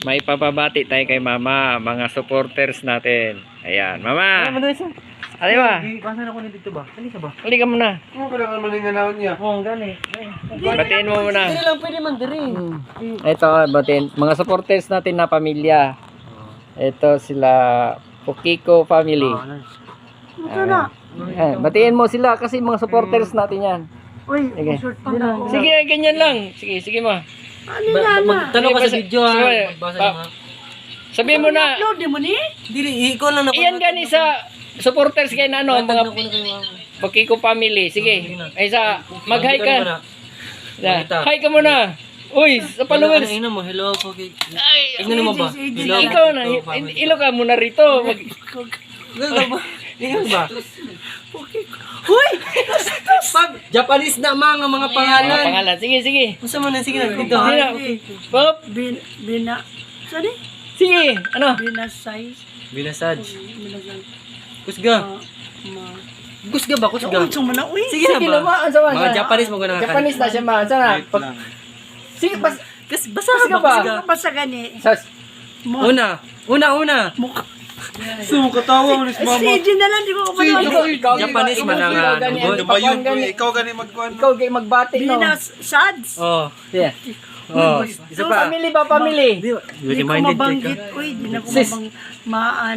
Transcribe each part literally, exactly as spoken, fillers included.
may papabati tayo kay Mama, mga supporters natin. Ayan, Mama. Ano ba? Pasan ako nito ba? Ano sa ba? Huli ka muna. Ano ko lang malinganawon niya? Oo, gani. Batiin mo muna. Dili lang pwede man diri. Ito, batiin. Mga supporters natin na pamilya. Ito sila Pukiko family. Ano? Ayan, batiin mo sila kasi mga supporters natin yan. Uy, Sige. short pa na ako. Sige, ganyan lang. Sige, sige mo. Ano na na? Tanong ka sa video ha. Sige, Magbasa pa- ng mga. Sabihin mo na. Upload di mo ni? Dili, ikaw lang na. Iyan gani sa supporters kay na ano, mga Mga Pukiko family. Sige. Ay sa mag-hi ka. Na, Makita. hi ka muna. Uy, sa followers. Ano mo? Hello po. kay- Ay, Tingnan mo ba? Hello. ikaw na. Ilo ka muna rito. Mag Hello ba? Tingnan ba? Huy! Pag Japanese na mga mga Mga pangalan. pangalan. Sige, sige. Gusto mo na sige na dito Sige ha. na. Pop. Bin, bina, saan eh? Sige. Ano? Binasay. Binasaj. Binasay. Kusga. Ma, ma. Kusga ba? Kusga. Uy, sumana, uy. Sige na Sige ba? naman. Sa Mga Japanese mo ganang Japanese na siya man. Sana. Pag- Sige, pas. Kas basa Kusga ba? ba? Kusga. Basta gani. Sas. Mo. Una. Una, una. Mukha. Sumukatawa mo ni Si J na lang, di ko kapanood. Ikaw, ikaw, Japanese ikaw, man ang, ikaw, ah, gani, nungod. ang pakuan gani. Ikaw gani magkuhan. Ikaw kay magbati no. Binasads. Oh. Sige. Oh. Isa pa. Family ba family? Di ba? Di ko Minded mabanggit. ka. Uy, di na ko Sis. mabang maan.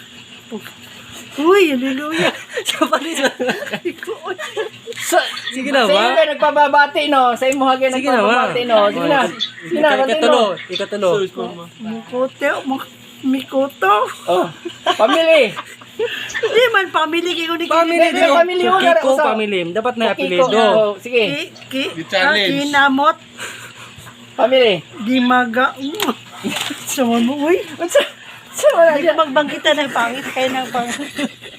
Uy, hallelujah. Japanese ba? Di ko, uy. Sa, Sige na sa ba? iyo kayo nagpababati no. Sa imo hagay Sige na ba? nagpababati no. Sige na. Sige na, bati Ikatulo. no. Ikatulo. Mukote, muk- mikoto. Oh. Family. Di man, family kayo ni Family Hindi, din. family mo, Kiko usap. family. Dapat na Pukiko. apelido. Oh, sige. Ki, ki, Di ah, challenge. kinamot, Family. di maga. Sama mo, uy. Unsa? Sa wala Hindi dyan. magbangkita ng pangit kayo ng pangit.